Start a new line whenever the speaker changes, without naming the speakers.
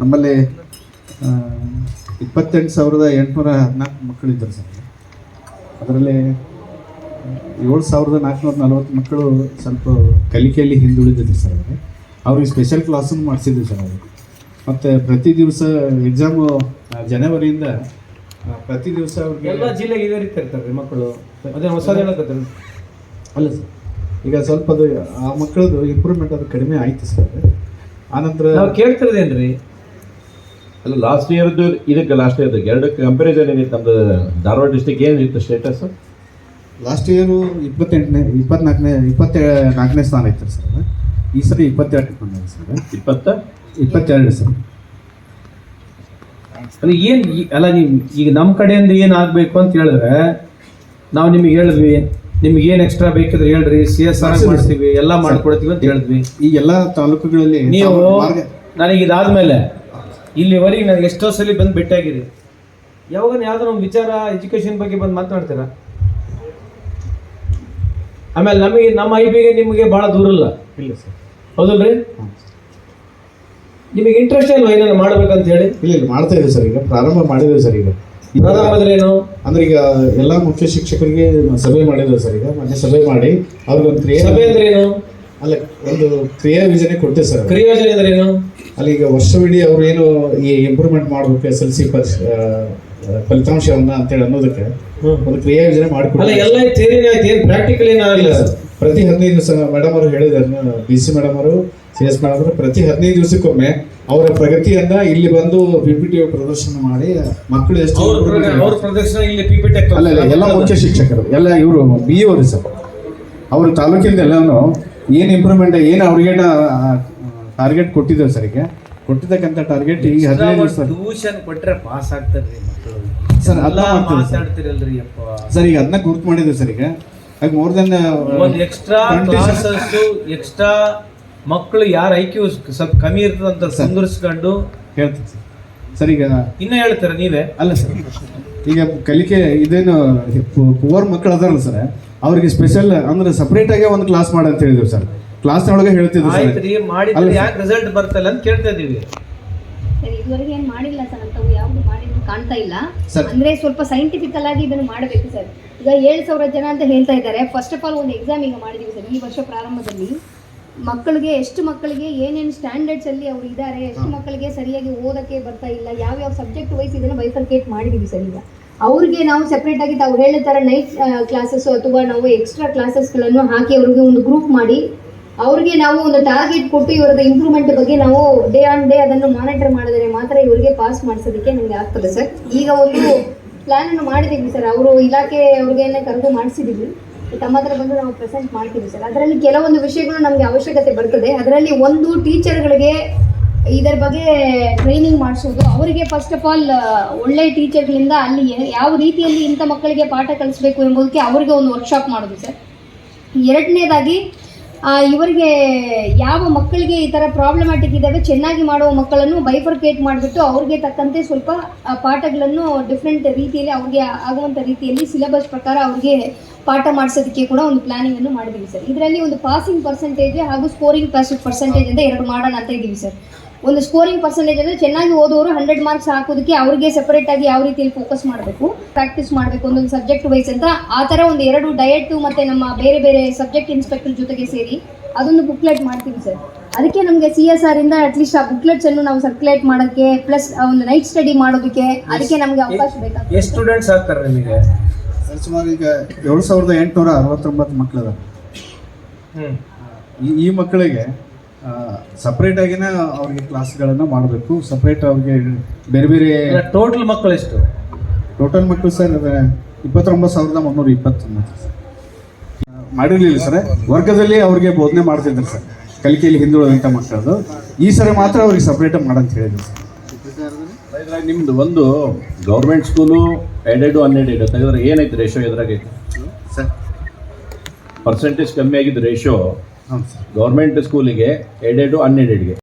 ನಮ್ಮಲ್ಲಿ 28,814 ಮಕ್ಕಳಿದ್ದಾರೆ ಸರ್. ಅದರಲ್ಲಿ 7,440 ಮಕ್ಕಳು ಸ್ವಲ್ಪ ಕಲಿಕೆಯಲ್ಲಿ ಹಿಂದುಳಿದಿದ್ರು ಸರ್. ಅವ್ರಿಗೆ ಸ್ಪೆಷಲ್ ಕ್ಲಾಸನ್ನು ಮಾಡಿಸಿದ್ವಿ ಸರ್ ಅವರು. ಮತ್ತು ಪ್ರತಿ ದಿವಸ ಎಕ್ಸಾಮು ಜನವರಿಯಿಂದ ಪ್ರತಿ ದಿವಸ ಅವ್ರಿಗೆ
ಎಲ್ಲ ಜಿಲ್ಲೆಗೆ ಇದೇ ರೀತಿ ಇರ್ತಾರೆ ಮಕ್ಕಳು. ಅದೇ ಹೊಸದು ಹೇಳಕತ್ತಾರೆ
ಅಲ್ಲ ಸರ್. ಈಗ ಸ್ವಲ್ಪ ಅದು ಆ ಮಕ್ಕಳದು ಇಂಪ್ರೂವ್ಮೆಂಟ್ ಅದು ಕಡಿಮೆ ಆಯಿತು ಸರ್. ಆನಂತರ
ನಾವು ಕೇಳ್ತಿರೋದೇನ್ರಿ,
ಅಲ್ಲ ಲಾಸ್ಟ್ ಇಯರ್ದು ಇದಕ್ಕೆ ಲಾಸ್ಟ್ ಇಯರ್ದು ಎರಡಕ್ಕೆ ಕಂಪ್ಯಾರಿಸನ್ ಏನಿತ್ತು ನಮ್ಮದು ಧಾರವಾಡ ಡಿಸ್ಟಿಕ್ ಏನಿತ್ತು ಸ್ಟೇಟಸ್?
ಲಾಸ್ಟ್ ಇಯರು 24ನೇ ಸ್ಥಾನ ಇತ್ತು ಸರ್. ಈ ಸರಿ 22 ಬಂದಿದೆ ಸರ್. 22 ಸರ್.
ಅಲ್ಲ ಏನು ಅಲ್ಲ, ನೀವು ಈಗ ನಮ್ಮ ಕಡೆಯಿಂದ ಏನು ಆಗಬೇಕು ಅಂತ ಹೇಳಿದ್ರೆ ನಾವು ನಿಮಗೆ ಹೇಳಿದ್ವಿ, ನಿಮ್ಗೆ ಏನು ಎಕ್ಸ್ಟ್ರಾ ಬೇಕಿದ್ರೆ ಹೇಳ್ರಿ, CSR ಮಾಡಿಸ್ತೀವಿ, ಎಲ್ಲ ಮಾಡ್ಕೊಡ್ತೀವಿ ಅಂತ ಹೇಳಿದ್ವಿ.
ಈ ಎಲ್ಲ ತಾಲೂಕುಗಳಲ್ಲಿ
ನೀವು ನನಗೆ ಇದಾದ್ಮೇಲೆ ಇಲ್ಲಿವರೆಗೆ ನನಗೆ ಎಷ್ಟೋ ಸಲ ಬಂದು ಭೇಟಿಯಾಗಿರಿ. ಯಾವಾಗ ಯಾವ್ದಾರ ಒಂದು ವಿಚಾರ ಎಜುಕೇಷನ್ ಬಗ್ಗೆ ಬಂದು ಮಾತನಾಡ್ತೀರಾ? ಆಮೇಲೆ ನಮಗೆ ನಮ್ಮ IBಗೆ ನಿಮಗೆ ಭಾಳ ದೂರ ಇಲ್ಲ
ಸರ್.
ಹೌದಲ್ರಿ? ನಿಮಗೆ ಇಂಟ್ರೆಸ್ಟ್ ಇಲ್ವಾ ಏನಾದ್ರು ಮಾಡ್ಬೇಕಂತ ಹೇಳಿ?
ಇಲ್ಲ ಮಾಡ್ತಾ ಇದ್ದೀವಿ ಸರ್. ಈಗ ಪ್ರಾರಂಭ ಮಾಡಿದ್ದೇವೆ ಸರ್. ಈಗ
ಏನು
ಅಂದ್ರೆ ಈಗ ಎಲ್ಲ ಮುಖ್ಯ ಶಿಕ್ಷಕರಿಗೆ ಸಭೆ ಮಾಡಿದ್ದೇವೆ ಸರ್. ಈಗ ಮೊನ್ನೆ ಸಭೆ ಮಾಡಿ ಅವ್ರಿಗೊಂದು
ಸಭೆ ಅಂದ್ರೆ ಏನು?
ಅಲ್ಲ, ಒಂದು ಕ್ರಿಯಾ ಯೋಜನೆ ಕೊಟ್ಟೆ ಸರ್.
ಕ್ರಿಯಾ ಯೋಜನೆ ಅಂದ್ರೆ ಏನು?
ಅಲ್ಲಿ ಈಗ ವರ್ಷವಿಡೀ ಅವ್ರು ಏನು ಈ ಇಂಪ್ರೂವ್ಮೆಂಟ್ ಮಾಡಬೇಕು SLC ಫಲಿತಾಂಶವನ್ನ ಅಂತೇಳಿ ಅನ್ನೋದಕ್ಕೆ ಒಂದು ಕ್ರಿಯಾ ಯೋಜನೆ ಮಾಡಿಕೊಡ್ತಾರೆ.
ಎಲ್ಲ ಥಿಯರಿನೇ ಆಯ್ತು, ಏನು ಪ್ರಾಕ್ಟಿಕಲ್ ಏನಾಗಲ್ಲ ಸರ್.
ಪ್ರತಿ 15 ದಿವಸ ಮೇಡಮ್ ಅವರು ಹೇಳಿದ್ದಾರೆ, BC ಮೇಡಮ್ ಅವರು, CS ಮೇಡಮ್ ಅವರು ಪ್ರತಿ 15 ದಿವಸಕ್ಕೊಮ್ಮೆ ಅವರ ಪ್ರಗತಿಯನ್ನ ಇಲ್ಲಿ ಬಂದು PPT ಪ್ರದರ್ಶನ ಮಾಡಿ ಮಕ್ಕಳು ಎಷ್ಟು
ಅವ್ರ ಪ್ರದರ್ಶನ ಇಲ್ಲಿ PPT
ಅಲ್ಲ ಎಲ್ಲ ಮುಖ್ಯ ಶಿಕ್ಷಕರು ಎಲ್ಲ ಇವರು BE ಅವರು ಸರ್. ಅವರು ತಾಲೂಕಿಂದ ಎಲ್ಲಾನು ಏನು ಇಂಪ್ರೂವ್ಮೆಂಟ್ ಏನು ಅವ್ರಿಗೆ ಟಾರ್ಗೆಟ್ ಕೊಟ್ಟಿದ್ದೇವೆ ಸರ್. ಈಗ ಕೊಟ್ಟಿದ್ದಕ್ಕಂಥ ಟಾರ್ಗೆಟ್ ಈಗ 15 ದಿವಸ
ಟ್ಯೂಷನ್ ಕೊಟ್ಟರೆ ಪಾಸ್ ಆಗ್ತಾರ್ರಿ ಮಕ್ಕಳು
ಸರ್. ಅಲ್ಲ
ಮಾತಾಡ್ತಿರಲ್ರಿ ಅಪ್ಪ
ಸರ್. ಈಗ ಅದನ್ನ ಗುರುತು ಮಾಡಿದ್ದೇವೆ ಸರ್. ಈಗ ಮೋರ್ ದೆನ್
ಒಂದು ಎಕ್ಸ್ಟ್ರಾ ಕ್ಲಾಸಸ್, ಎಕ್ಸ್ಟ್ರಾ ಮಕ್ಕಳು ಯಾರ IQ ಸ್ವಲ್ಪ ಕಮ್ಮಿ ಇರ್ತದಂತ ಸಂದರ್ಸ್ಕೊಂಡು
ಹೇಳ್ತೀನಿ ಸರ್. ಸರ್ ಈಗ
ಇನ್ನ ಹೇಳ್ತೀರ ನೀವೇ?
ಅಲ್ಲ ಸರ್, ಈಗ ಕಲಿಕೆ ಇದೇನು ಪುವರ್ ಮಕ್ಕಳು ಅದಾರಲ್ಲ ಸರ್, ಅವ್ರಿಗೆ ಸ್ಪೆಷಲ್ ಅಂದ್ರೆ ಸಪ್ರೇಟ್ ಆಗಿ ಒಂದು ಕ್ಲಾಸ್ ಮಾಡಿ ಅಂತ ಹೇಳಿದ್ವಿ ಸರ್. ಕ್ಲಾಸ್ನೊಳಗೆ ಹೇಳ್ತಿದ್ವಿ ಸರ್.
ಮಾಡಿದ್ರೆ ಯಾಕೆ ರಿಸಲ್ಟ್ ಬರ್ತಲ್ಲ ಅಂತ ಕೇಳ್ತಾ ಇದೀವಿ.
ಇದುವರೆಗೆ ಏನು ಮಾಡಿಲ್ಲ ಸರ್. ಅಂತವು ಯಾವುದು ಮಾಡಿದ್ರು ಕಾಣ್ತಾ ಇಲ್ಲ. ಅಂದ್ರೆ ಸ್ವಲ್ಪ ಸೈಂಟಿಫಿಕಲ್ ಆಗಿ ಇದನ್ನು ಮಾಡಬೇಕು ಸರ್. ಈಗ 7,000 ಜನ ಅಂತ ಹೇಳ್ತಾ ಇದ್ದಾರೆ. ಫಸ್ಟ್ ಆಫ್ ಆಲ್ ಒಂದು ಎಕ್ಸಾಮ್ ಈಗ ಮಾಡಿದೀವಿ ಸರ್. ಈ ವರ್ಷ ಪ್ರಾರಂಭದಲ್ಲಿ ಮಕ್ಕಳಿಗೆ ಎಷ್ಟು ಮಕ್ಕಳಿಗೆ ಏನೇನು ಸ್ಟ್ಯಾಂಡರ್ಡ್ಸ್ ಅಲ್ಲಿ ಅವ್ರು ಇದ್ದಾರೆ, ಎಷ್ಟು ಮಕ್ಕಳಿಗೆ ಸರಿಯಾಗಿ ಓದಕ್ಕೆ ಬರ್ತಾ ಇಲ್ಲ, ಯಾವ್ಯಾವ ಸಬ್ಜೆಕ್ಟ್ ವೈಸ್ ಇದನ್ನು ಬೈಫರ್ಕೇಟ್ ಮಾಡಿದೀವಿ ಸರ್. ಈಗ ಅವ್ರಿಗೆ ನಾವು ಸೆಪ್ರೇಟ್ ಆಗಿ ತಾವು ಹೇಳೋ ಥರ ನೈಟ್ ಕ್ಲಾಸಸ್ ಅಥವಾ ನಾವು ಎಕ್ಸ್ಟ್ರಾ ಕ್ಲಾಸಸ್ಗಳನ್ನು ಹಾಕಿ ಅವ್ರಿಗೆ ಒಂದು ಗ್ರೂಪ್ ಮಾಡಿ ಅವ್ರಿಗೆ ನಾವು ಒಂದು ಟಾರ್ಗೆಟ್ ಕೊಟ್ಟು ಇವರದ ಇಂಪ್ರೂವ್ಮೆಂಟ್ ಬಗ್ಗೆ ನಾವು ಡೇ ಆನ್ ಡೇ ಅದನ್ನು ಮಾನಿಟರ್ ಮಾಡಿದರೆ ಮಾತ್ರ ಇವರಿಗೆ ಪಾಸ್ ಮಾಡಿಸೋದಕ್ಕೆ ನಮಗೆ ಆಗ್ತದೆ ಸರ್. ಈಗ ಒಂದು ಪ್ಲಾನ್ ಅನ್ನು ಮಾಡಿದ್ದೀವಿ ಸರ್. ಅವರು ಇಲಾಖೆ ಅವ್ರಿಗೇನೆ ಕರೆದು ಮಾಡಿಸಿದ್ದೀವಿ. ತಮ್ಮ ಹತ್ರ ಬಂದು ನಾವು ಪ್ರೆಸೆಂಟ್ ಮಾಡ್ತೀವಿ ಸರ್. ಅದರಲ್ಲಿ ಕೆಲವೊಂದು ವಿಷಯಗಳು ನಮಗೆ ಅವಶ್ಯಕತೆ ಬರ್ತದೆ. ಅದರಲ್ಲಿ ಒಂದು ಟೀಚರ್ಗಳಿಗೆ ಇದರ ಬಗ್ಗೆ ಟ್ರೈನಿಂಗ್ ಮಾಡಿಸೋದು, ಅವರಿಗೆ ಫಸ್ಟ್ ಆಫ್ ಆಲ್ ಒಳ್ಳೆಯ ಟೀಚರ್ಗಳಿಂದ ಅಲ್ಲಿ ಯಾವ ರೀತಿಯಲ್ಲಿ ಇಂಥ ಮಕ್ಕಳಿಗೆ ಪಾಠ ಕಲಿಸಬೇಕು ಎಂಬುದಕ್ಕೆ ಅವರಿಗೆ ಒಂದು ವರ್ಕ್ಶಾಪ್ ಮಾಡೋದು ಸರ್. ಎರಡನೇದಾಗಿ ಇವರಿಗೆ ಯಾವ ಮಕ್ಕಳಿಗೆ ಈ ಥರ ಪ್ರಾಬ್ಲಮ್ಯಾಟಿಕ್ ಇದ್ದಾವೆ ಚೆನ್ನಾಗಿ ಮಾಡುವ ಮಕ್ಕಳನ್ನು ಬೈಫರ್ಕೇಟ್ ಮಾಡಿಬಿಟ್ಟು ಅವ್ರಿಗೆ ತಕ್ಕಂತೆ ಸ್ವಲ್ಪ ಪಾಠಗಳನ್ನು ಡಿಫ್ರೆಂಟ್ ರೀತಿಯಲ್ಲಿ ಅವ್ರಿಗೆ ಆಗುವಂಥ ರೀತಿಯಲ್ಲಿ ಸಿಲೆಬಸ್ ಪ್ರಕಾರ ಅವ್ರಿಗೆ ಪಾಠ ಮಾಡಿಸೋದಕ್ಕೆ ಕೂಡ ಒಂದು ಪ್ಲಾನಿಂಗನ್ನು ಮಾಡಿದ್ದೀವಿ ಸರ್. ಇದರಲ್ಲಿ ಒಂದು ಪಾಸಿಂಗ್ ಪರ್ಸೆಂಟೇಜ್ ಹಾಗೂ ಸ್ಕೋರಿಂಗ್ ಪರ್ಸೆಂಟೇಜ್ ಅಂತ ಎರಡು ಮಾಡೋಣ ಅಂತ ಇದ್ದೀವಿ ಸರ್. ಒಂದು ಸ್ಕೋರಿಂಗ್ ಪರ್ಸೆಂಟೇಜ್ ಅಂದರೆ ಚೆನ್ನಾಗಿ ಓದೋರು 100 ಮಾರ್ಕ್ಸ್ ಹಾಕೋದಕ್ಕೆ ಅವ್ರಿಗೆ ಸೆಪರೇಟಾಗಿ ಯಾವ ರೀತಿಯಲ್ಲಿ ಫೋಕಸ್ ಮಾಡಬೇಕು, ಪ್ರಾಕ್ಟೀಸ್ ಮಾಡಬೇಕು ಒಂದೊಂದು ಸಬ್ಜೆಕ್ಟ್ ವೈಸ್ ಅಂತ ಆ ಥರ ಒಂದು 2 ಡಯಟು ಮತ್ತು ನಮ್ಮ ಬೇರೆ ಬೇರೆ ಸಬ್ಜೆಕ್ಟ್ ಇನ್ಸ್ಪೆಕ್ಟರ್ ಜೊತೆಗೆ ಸೇರಿ ಅದೊಂದು ಬುಕ್ಲೆಟ್ ಮಾಡ್ತೀವಿ ಸರ್. ಅದಕ್ಕೆ ನಮಗೆ CSR ಇಂದ ಅಟ್ಲೀಸ್ಟ್ ಆ ಬುಕ್ಲೆಟ್ಸನ್ನು ನಾವು ಸರ್ಕ್ಯುಲೇಟ್ ಮಾಡೋಕ್ಕೆ ಪ್ಲಸ್ ಒಂದು ನೈಟ್ ಸ್ಟಡಿ ಮಾಡೋದಕ್ಕೆ ಅದಕ್ಕೆ ನಮಗೆ ಅವಕಾಶ ಬೇಕಾಗ್ತದೆ.
ಎಷ್ಟು ಸ್ಟೂಡೆಂಟ್ಸ್ ಆಗ್ತಾರೆ ನಿಮಗೆ?
ಸುಮಾರು ಈಗ 7,869 ಮಕ್ಕಳು ಈ ಮಕ್ಕಳಿಗೆ ಸಪ್ರೇಟ್ ಆಗಿನ ಅವ್ರಿಗೆ ಕ್ಲಾಸ್ಗಳನ್ನು ಮಾಡಬೇಕು. ಸಪ್ರೇಟ್ ಅವ್ರಿಗೆ ಬೇರೆ ಬೇರೆ
ಟೋಟಲ್ ಮಕ್ಕಳು ಎಷ್ಟು?
ಟೋಟಲ್ ಮಕ್ಕಳು ಸರ್ 29,329 ಮಾಡಿರಲಿಲ್ಲ ಸರ್. ವರ್ಗದಲ್ಲಿ ಅವ್ರಿಗೆ ಬೋಧನೆ ಮಾಡ್ತಿದ್ರು ಸರ್, ಕಲಿಕೆಯಲ್ಲಿ ಹಿಂದುಳಿದಂಥ ಮಕ್ಕಳದು. ಈ ಸರಿ ಮಾತ್ರ ಅವ್ರಿಗೆ ಸಪ್ರೇಟಾಗಿ ಮಾಡಂತ ಹೇಳಿದ್ರು ಸರ್.
ನಿಮ್ದು ಒಂದು ಗೌರ್ಮೆಂಟ್ ಸ್ಕೂಲು ಎಡೆಡು ಅನ್ಎಡೆಡು ತೆಗೆದ್ರೆ ಏನೈತೆ ರೇಷೋ ಎದುರಾಗೈತೆ
ಸರ್?
ಪರ್ಸೆಂಟೇಜ್ ಕಮ್ಮಿ ಆಗಿದ್ದು ರೇಷೋ
ಹೌದು ಸರ್.
ಗೌರ್ಮೆಂಟ್ ಸ್ಕೂಲಿಗೆ ಎಡೆಡು ಅನ್ಎಡೆಡ್ಗೆ